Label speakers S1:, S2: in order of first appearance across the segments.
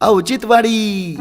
S1: औचित्यवाडी.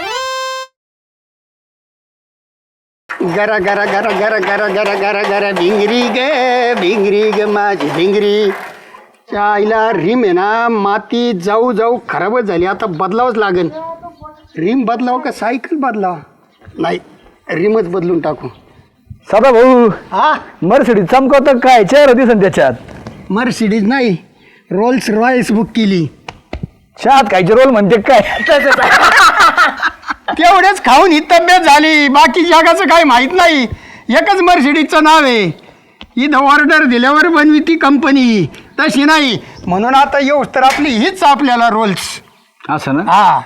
S2: गरा गरा गरा गरा गरा गरा गरा गरा भिंगरी ग माझी भिंगरी. आईला रिम आहे ना, माती जाऊ जाऊ खराबच झाली. आता बदलावंच लागेल. रिम बदलाव का सायकल बदलाव? नाही, रिमच बदलून टाकू.
S3: सदा भाऊ,
S2: हा,
S3: मर्सिडीज चमकवत काय चेहरा दिसन त्याच्यात.
S2: मर्सिडीज नाही, रोल्स रॉयल्स बुक केली.
S3: चहात खायचे रोल म्हणते काय?
S2: तेवढेच खाऊन ही तब्येत झाली, बाकी जगाचं काही माहीत नाही. एकच मर्सिडीजचं नाव आहे. इथं ऑर्डर दिल्यावर बनवी ती कंपनी, तशी नाही. म्हणून आता येऊस तर आपली हीच आपल्याला रोल्स.
S3: असं ना?
S2: हा.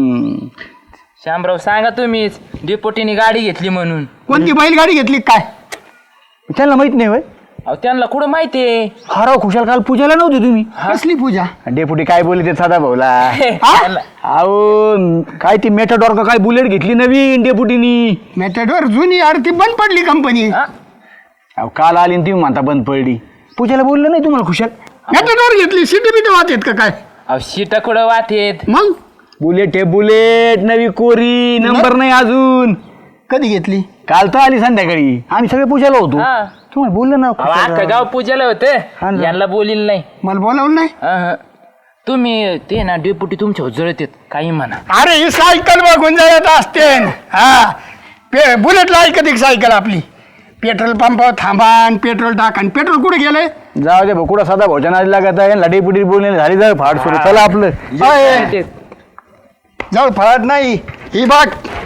S4: शामराव सांगा तुम्हीच, डेपोटीने गाडी घेतली म्हणून.
S2: कोणती बैलगाडी घेतली काय?
S3: त्यांना माहित नाही होय?
S4: अहो त्यांना कुठं माहितीये?
S3: हराव खुशाल काल पूजाला नव्हते तुम्ही?
S2: कसली पूजा?
S3: डेपुटी काय बोलले ते सदा भाऊला?
S4: त्यांना-
S3: अहो काय ती मेटाडॉर का काय बुलेट घेतली नवीन डेपुटीनी.
S2: मेथडवर जुनी आरती बंद पडली कंपनी.
S4: हा?
S3: अहो काल आली आणि तुम्ही म्हणता बंद पडली. पूजाला बोललं नाही तुम्हाला खुशाल?
S2: मेथडवर घेतली, सिटी बिटी वाहत आहेत का काय?
S4: अहो शिट कुठं वाटेत?
S2: मग
S3: बुलेट हे बुलेट नवी कोरी, नंबर नाही अजून.
S2: कधी घेतली?
S3: काल तर आली संध्याकाळी, आम्ही सगळे पूजाला होतो.
S4: हा.
S3: तुम्हाला बोललं ना
S4: अहो अख्खं
S3: खुशाल?
S4: गाव पूजाला
S3: हा
S4: होतं,
S3: ना.
S4: यांना बोलील नाही.
S2: मला बोलावलं नाही.
S4: अहं. तुम्ही ते ना डेपुटी तुमच्या जळत काही म्हणा.
S2: अरे ही सायकल बघून जात असते. हा, बुलेटला ऐकत सायकल आपली. पेट्रोल पंपावर थांबा आणि पेट्रोल टाका. पेट्रोल कुठे गेलंय?
S3: जाऊ दे बकुडा साधा भोजन आज लागत आहे. डेपुटी बोलणे झाली जाऊ फाड सुरू. चला आपलं
S2: अय, जवळ फळत नाही. ही बघ,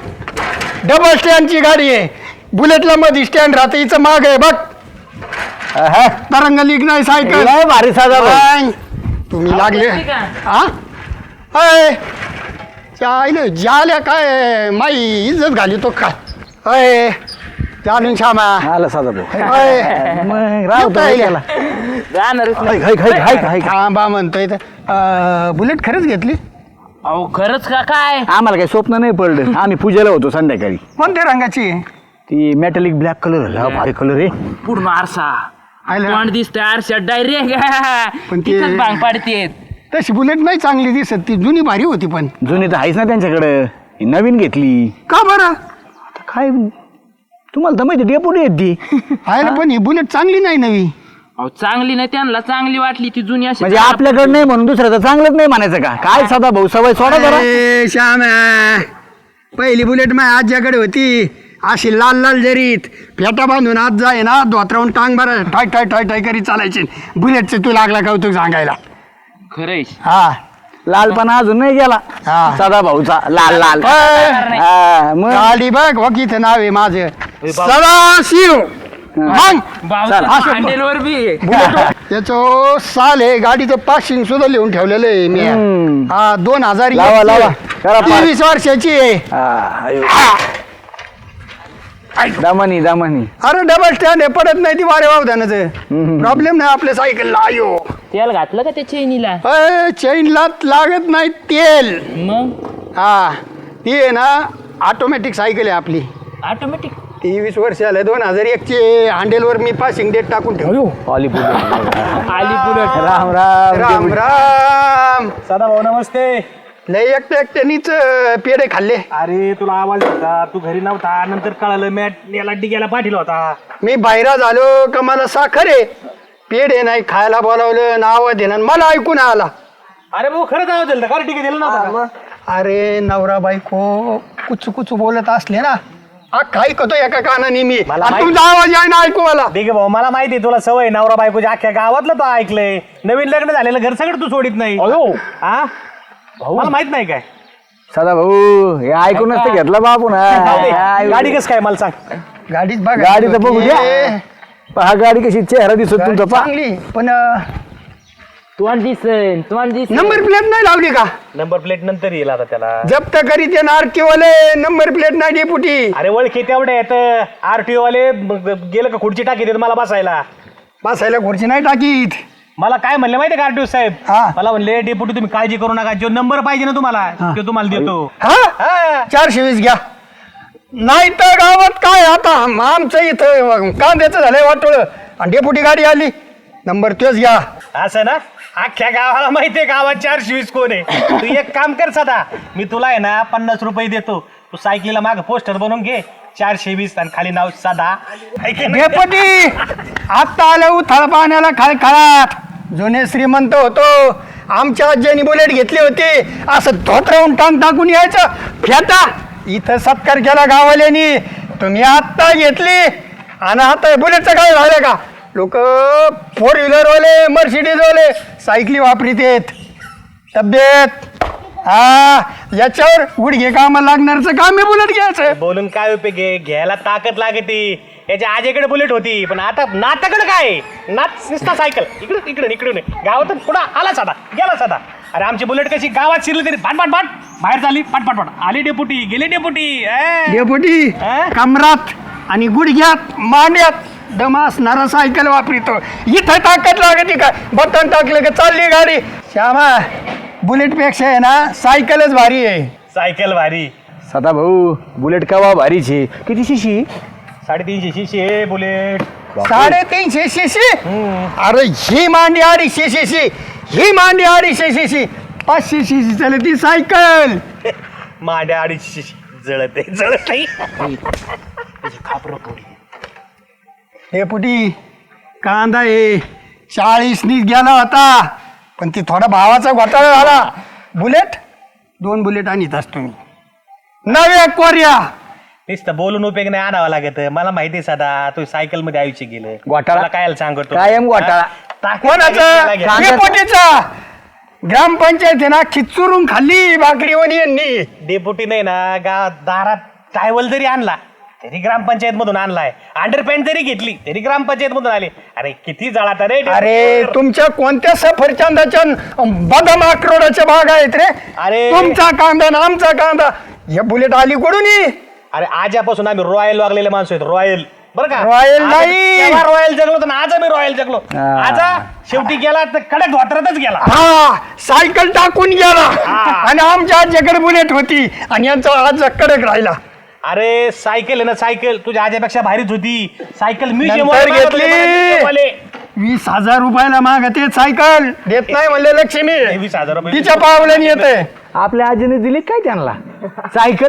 S2: डबल स्टँडची गाडी आहे. बुलेटला मध्ये स्टँड राहते, हिचं माग आहे बघ.
S3: हा.
S2: तरंग लीक नाही सायकल.
S3: लय भारी साधा भाऊ.
S2: बाय. तुम्ही लागले हा? अय, चायले जाल्या काय माई इज्जत घाली तो काय? अय, चालून श्यामा.
S3: आला साधा भाऊ.
S2: अय,
S3: मग राव तो
S2: काय
S3: गेला.
S4: जाणारच नाही.
S3: हाय
S2: थांबा म्हणतोय तर. बुलेट खरंच घेतली?
S4: अहो खरंच का काय?
S3: आम्हाला काही स्वप्न नाही पडलं. आम्ही पूजेला होतो संध्याकाळी.
S2: कोणत्या रंगाची आहे?
S3: ती मेटॅलिक ब्लॅक कलर लय भारी कलर आहे.
S4: पूर्ण आरसा
S2: आयला.
S4: तोंड दिसतंय आरशात डायरेक्ट.
S2: पण ते-
S4: तिथंच भांग पाडतेत.
S2: तशी बुलेट नाही चांगली दिसत, ती जुनी भारी होती. पण
S3: जुनी तर आहेच ना त्यांच्याकडं. ही नवीन घेतली.
S2: का बरं?
S3: काय तुम्हाला तर माहिती डेपुटी येत ती.
S2: आहे ना, पण ही बुलेट चांगली नाही नवी.
S4: अहो चांगली नाही, त्यांना चांगली वाटली ती जुनी अशी.
S3: म्हणजे आपल्याकडे नाही म्हणून दुसऱ्याचं चांगलंच नाही म्हणायचं का? काय साधा भाऊ सवय सोडा जरा.
S2: अरे श्यामा, पहिली बुलेट माझ्या आज्याकडे होती. अशी लाल लाल जरीत फेटा बांधून आज जाय ना, धोत्रावून टांग बरं टाय टाय टाय टाय करी चालायची. बुलेटचं तू लागला कौतुक सांगायला.
S4: खरंय.
S2: हा,
S3: लालपणा अजून नाही गेला
S2: हा.
S3: साधा भाऊचा. लाल लाल.
S2: अय,
S3: हा, मग
S2: गाडी बघ हो, किती नाव आहे माझं, सदाशिव. मग
S4: बाबा
S2: असं-
S4: हँडलवर बी आहे.
S2: बुलेट त्याचं साल आहे, गाडीचं पासिंग सुद्धा लिहून ठेवलेलं आहे मी.
S3: हम्म.
S2: हा, 2000
S3: लावा, लावा. करा पार.
S2: 23 वर्षाची आहे.
S3: हा, अयो. दामनी दामनी.
S2: अरे डबल स्टँड आहे, पडत नाही ती वारे वावधानाचं. प्रॉब्लेम नाही आपल्या सायकलला. आयो,
S4: तेल घातलं का त्या चैनीला?
S2: चैनला लागत नाही तेल.
S4: मग
S2: हा, ती आहे ना ऑटोमॅटिक सायकल आहे आपली.
S4: ऑटोमॅटिक.
S2: 23 वर्ष आलं, 2001 ची. हँडेलवर मी पासिंग डेट टाकून ठेवलो.
S3: आली पुढे.
S4: आली बुलेट.
S3: राम राम.
S2: राम राम.
S5: सदा भाऊ नमस्ते.
S2: लय एकट्यानीच पेढे खाल्ले.
S5: अरे तुला आवाज होता, तू घरी नव्हता. नंतर कळालं मॅट याला डिग्याला पाठीला होता.
S2: मी बाहेर झालो का मला साखर आहे, पेढे नाही खायला बोलावलं, नाव देणं मला ऐकून आला.
S5: अरे भाऊ खरंच आवाज दिला का? डिगे दिला नव्हता का?
S2: अरे नवरा बायको कुचू कुचू बोलत असले ना, काय ऐकतो एका कानाने मी.
S5: मला
S2: आणि तुमचा आवाज आहे ना ऐकू मला.
S5: डिगे भाऊ मला माहिती तुला सवय नवरा बायकोची. अख्ख्या गावातलं तो ऐकलंय. नवीन लग्न झालेलं घर सगळं तू सोडित नाही. हा मला माहित नाही काय?
S3: सदा भाऊ हे ऐकूनच तर घेतला बापू ना.
S5: गाडी कस काय मला सांग.
S2: गाडीत बघा.
S3: गाडी तर बघू द्या.
S2: ए,
S3: पहा गाडी कशी चेहरा दिसत
S2: गाडी
S3: तुमचा. पहा
S2: चांगली, पण
S4: तोंड दिसन.
S2: नंबर प्लेट नाही लावली का?
S5: नंबर प्लेट नंतर येईल आता त्याला.
S2: जप्त करीत येणार केवले नंबर प्लेट नाही डेपुटी.
S5: अरे ओळखी तेवढे आहेत. आरटीओ वाले गेलं का खुर्ची टाकी देत मला बसायला.
S2: बसायला खुर्ची नाही टाकीत.
S5: मला काय म्हणले माहिती का आरटीओ साहेब?
S2: हा.
S5: मला म्हणले डेप्युटी तुम्ही काळजी करू नका, जो नंबर पाहिजे ना तुम्हाला तो तुम्हाला देतो.
S2: हा, 420 घ्या. नाही तर गावात काय आता आमचं इथं कांद्याचं झालंय वाटोळ आणि डेपुटी गाडी आली. नंबर तोच घ्या.
S5: असं ना, अख्ख्या गावाला माहितीये गावात 420 कोण आहे. तू एक काम कर सदा, मी तुला आहे ना 50 रुपये देतो. तू सायकलीला माग पोस्टर बनवून घे 420 आणि खाली नाव सदा.
S2: डेपुटी आत्ता आलं उथळ पाण्याला खळखळाट. जुने श्रीमंत होतो, आमच्या आज्यानी बुलेट घेतली होती, असं धोतरावून टांग टाकून यायचं फेटा. इथं सत्कार केला गावाल्यानी, तुम्ही आत्ता घेतली आणि आता बुलेटचं काय झालं का? लोक 4 व्हीलरवाले मर्सिडीजवाले सायकली वापरीत आहेत. तब्येत हा याच्यावर गुडघे कामाला लागणारचं काम आहे बुलेट घ्यायचं.
S5: बोलून काय उपयोग आहे, घ्यायला ताकद लागते. याच्या आजीकडे बुलेट होती, पण आता नाताकडे काय आहे? नात निसता सायकल इकडून इकडून इकडून गावातून पुढं आला साधा गेला साधा. अरे आमची बुलेट कशी गावात शिरली तरी पाट पाट पाट बाहेर झाली, पाट पाट पाट आली डेपुटी गेली डेपुटी.
S2: डेपुटी कमरात आणि गुडघ्यात मांड्यात दम असणारा सायकल वापरितो. इथं ताकद लागते का? बटन टाकलं का चालली गाडी. श्यामा बुलेट पेक्षा आहे ना सायकलच भारी आहे.
S5: सायकल भारी.
S3: सदा भाऊ बुलेट कवा भारीच आहे. किती शिशी?
S5: 350 शिशी आहे बुलेट.
S2: 350 सीसी. अरे ही मांडी 250 सीसी, ही मांडी 250 सीसी, 500 सीसी चालती सायकल.
S5: मांड्या 250 शिशी जळत आहे जळत नाही.
S2: डेपुटी कांदा आहे 40नीच गेला होता, पण ती थोडा भावाचा घोटाळा झाला. बुलेट 2 बुलेट आणीत असतो मी नव्या कोऱ्या.
S5: नुसतं बोलून उपयोग नाही, आणावं लागत. मला माहिती आहे सदा तू सायकल मध्ये आयुष्य गेलं.
S3: घोटाळा?
S5: मला काय सांगतो
S3: कायम घोटाळा.
S2: कोणाचा? डेपुटीचा. ग्रामपंचायत आहे ना खिचुरून खाल्ली भाकरीवाणी यांनी.
S5: डेपुटी नाही ना दारात टायवल जरी आणला तरी ग्रामपंचायत मधून आणलाय. अंडरपॅन्ट जरी घेतली तरी ग्रामपंचायत मधून आले. अरे किती जळात रे.
S2: अरे तुमच्या कोणत्या सफरचंदाच्या बदाम अक्रोडाच्या बाग आहेत रे?
S5: अरे.
S2: तुमचा कांदा ना आमचा कांदा. हे बुलेट आली कुठून?
S5: अरे आजपासून आम्ही रॉयल वागलेले माणसं आहेत. रॉयल बरं का?
S2: रॉयल नाही.
S5: रॉयल जगलो तर आज आम्ही रॉयल जगलो. आज शेवटी गेला तर कडक धोत्रातच गेला.
S2: हा सायकल टाकून गेला आणि आमच्या आज्याकडे बुलेट होती आणि यांचा आज कडक राहिला.
S5: अरे सायकल आहे ना सायकल तुझ्या आज्यापेक्षा भारीच होती. सायकल
S2: नंतर घेतली.
S5: म्युझियम
S2: 20,000 रुपयाला मागते सायकल. देत नाही म्हणले लक्ष्मी.
S5: 20,000 रुपये
S2: तिच्या पावल्याने येते.
S3: आपल्या आजीने दिली काय त्यांना सायकल?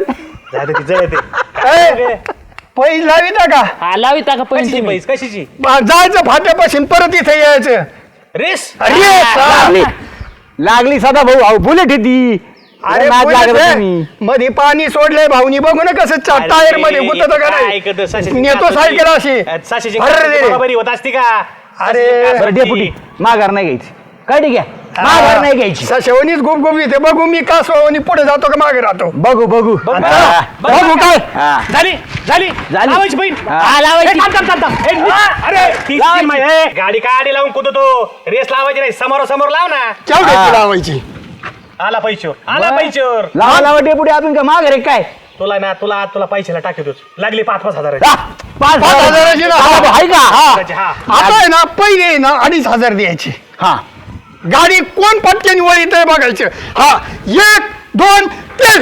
S2: पैस लाविता का?
S4: हा लाविता का पैसे
S5: पैसे कशाची
S2: जायचं फाट्यापासून परत इथे यायचं.
S5: रेस?
S3: लागली लागली सदा भाऊ. अहो बुलेट आहे ती.
S2: अरे
S3: नाद लागत
S2: बुलेट
S3: तुम्ही.
S2: आहे. मध्ये पाणी सोडलंय भाऊनी, बघू ना कसं टायर मध्ये गुतत का नाही. नेतो सायकल अशी. अरे
S5: बरी होत असती का?
S2: अरे
S3: बरं डेपुटी माघार नाही घ्यायची. काय ठीक आहे माघार नाही घ्यायची.
S2: सशेवणीच गुप गुप येते. बघू मी का सोनी पुढे जातो का मागे राहतो.
S3: बघू बघू
S2: आता बघू काय.
S3: हा.
S5: झाली झाली
S3: झाली.
S5: लावायची बहीण.
S3: हा, लावायची.
S5: अरे गाडी काडी लावून कुदतो. रेस लावायची नाही, समोरासमोर लाव ना.
S2: केवढ्याची लावायची?
S5: आला पैशावर आला पैशावर.
S3: लावा लावा डेपुटी आपण का माघार आहे काय?
S5: तुला ना तुला पैशाला टाकतोच. लागली 5-5 हजार.
S2: 5,000ची ना.
S3: आहे का?
S5: हा
S2: आता आहे ना पहिले ना 2,500 द्यायचे.
S3: हा
S2: गाडी कोण पटक्याने वळीत आहे बघायचं. हा 1 2 3.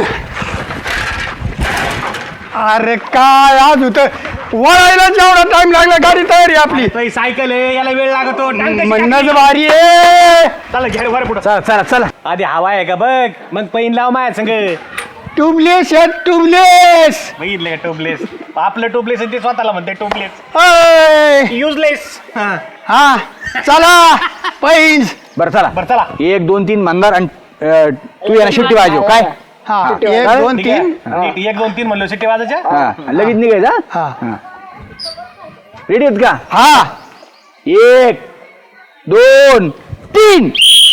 S2: अरे काय आज होतं वळायला जेवढा टाइम लागला गाडी तयारी आपली.
S5: तो ही सायकल आहे याला वेळ लागतो.
S2: म्हणणंच भारी आहे.
S5: चला घ्या वर पुढं.
S3: चला चला चला.
S5: आधी हवा आहे का बघ, मग पैन लाव माझ्या संग.
S2: ट्यूबलेस आहे ट्यूबलेस.
S5: बघितलं का टोबलेस? आपलं टोबलेस ते स्वतःला म्हणते टोबलेस.
S2: अय.
S5: युजलेस.
S2: हा चला पैंज.
S3: बरं चला
S5: बरं चला.
S3: 1 2 3 मंदार आणि तू याला शिट्टी वाजव काय?
S2: हा 1 2
S5: ठीक आहे?
S2: 3.
S5: 1 2 3 म्हणलो शिट्टी वाजायच्या.
S3: हा लगेच निघायचा.
S2: हा
S3: रेडी आहेत का?
S2: हा
S3: 1 2 3.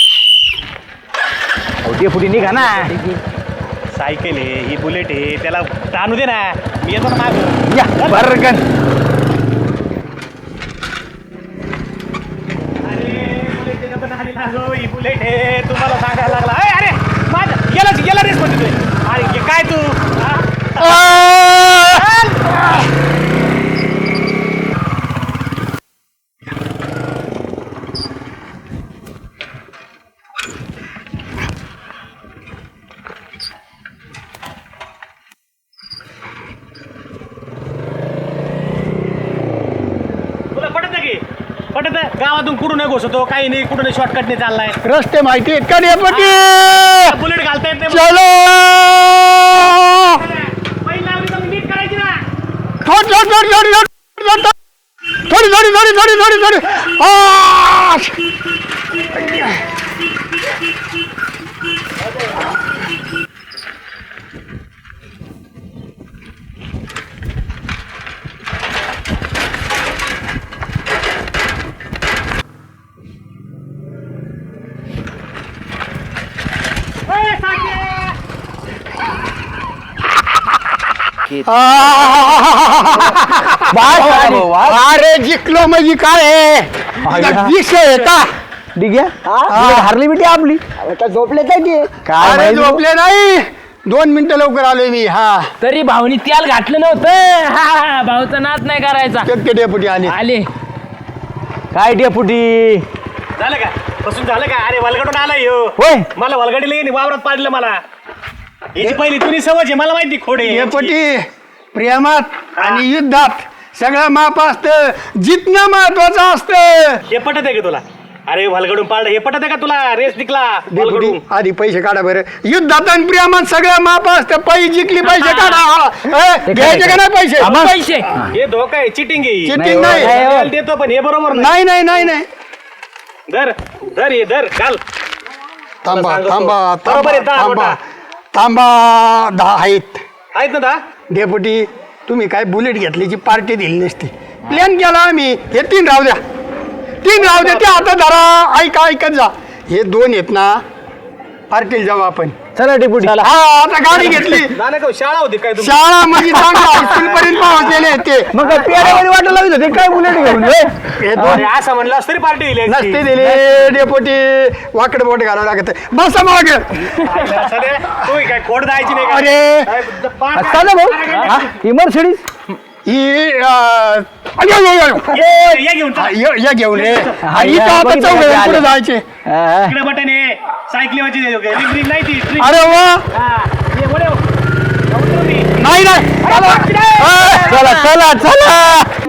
S3: डेपुटी निघा ना.
S5: सायकल आहे ही बुलेट आहे त्याला ताणू दे ना. मी येतो ना माग.
S3: या बरगन.
S5: ही बुलेट आहे तुम्हाला सांगायला लागला. अरे माझं गेला रेस मध्ये तू. अरे काय तू तुला पटत की पटत गावातून कुठून नाही घुसतो काही नाही कुठून शॉर्टकट नाही चाललाय
S2: रस्ते माहिती आहेत का डेपुटी
S5: बुलेट घालता येत नाही
S2: चलो
S5: पहिला आम्ही तर नीट करायची ना
S2: थोडी अरे जिंकलो म्हणजे काय
S3: आया.
S2: विषय आहे का
S3: ठीक आहे हारली बिटी आपली
S1: झोपले काय ते
S3: काय
S2: अरे
S3: माहिती?
S2: झोपले नाही 2 मिनिटं लवकर आलोय मी हा
S4: तरी भाऊनी त्याला घातलं नव्हतं हा भाऊचा नाच नाही करायचा
S2: शक्य डेपुटी आले
S4: आले
S3: काय डेपुटी
S5: झालं का बसून झालं का अरे वलगडून आलाय ह्यो.
S3: होय
S5: मला वलगडीला येईन वावरात पाडलं मला याची पहिली तुम्ही समज आहे मला माहिती खोडे
S2: डेपुटी प्रेमात आणि युद्धात सगळं माप असतं जितणं महत्वाचं असतं
S5: हे पटत आहे का तुला अरे वलगडून पाडलं हे पटत आहे का तुला रेस जिंकला
S2: डेपुटी
S5: वलगडून
S2: आधी पैसे काढा बरं युद्धात आणि प्रेमात सगळं माप असतं पैसे जिंकली पैसे काढा घ्यायचे का नाही पैसे
S3: आम्हा-
S4: पैसे
S5: हे धोका आहे चिटिंग आहे
S2: चिटिंग नाही
S5: त्याला देतो पण हे बरोबर नाही
S2: नाही नाही नाही नाही
S5: धर धर हे धर घाल
S2: थांबा
S5: सांगतो.
S2: थांबा
S5: बरोबर आहे,
S2: थांबा
S5: दहा
S2: थांबा
S5: नोटा.
S2: थांबा 10 आहेत
S5: आहेत ना दा
S2: डेपुटी तुम्ही काय बुलेट घेतल्याची पार्टी दिली नसती प्लॅन केला आम्ही हे 3 राहू द्या 3 राहू द्या ते आता जरा ऐका ऐकत जा हे 2 आहेत ना पार्टीला जाऊ आपण
S3: चला डेपुटी
S2: हा आता गाडी घेतली
S5: नाना का शाळा होती काय तुमची
S2: शाळा म्हणजे चांगला हायस्कूल पर्यंत पोहोचलेले आहेत ते
S3: मग काय पेड्यामध्ये वाटायला लागलं होते काय बुलेट घेऊन हे?
S2: हे 2
S5: अरे असं म्हणलं तरी पार्टी दिली असती.
S2: नसते दिले डेपोटी वाकड बोट घालावं लागत बसा माग
S5: सध्या तू काय खोड द्यायची नाही का?
S2: अरे
S5: काय पाच-
S3: चला भाऊ हा? ही मर्सिडीज
S2: ही
S5: ये घेऊन चल.
S2: या घेऊन रे आणि
S3: या,
S2: इथं आता
S3: बघितलं
S2: चौघ
S3: का ते
S2: पुढे
S3: आले?
S2: जायचे
S3: हा.
S5: इकडे बटन आहे सायकलीवरची रिंग नाही ती रिंग.
S2: अरे वा
S5: हा, ये वळव. जाऊ दे.
S2: नाही नाही
S3: चला चला चला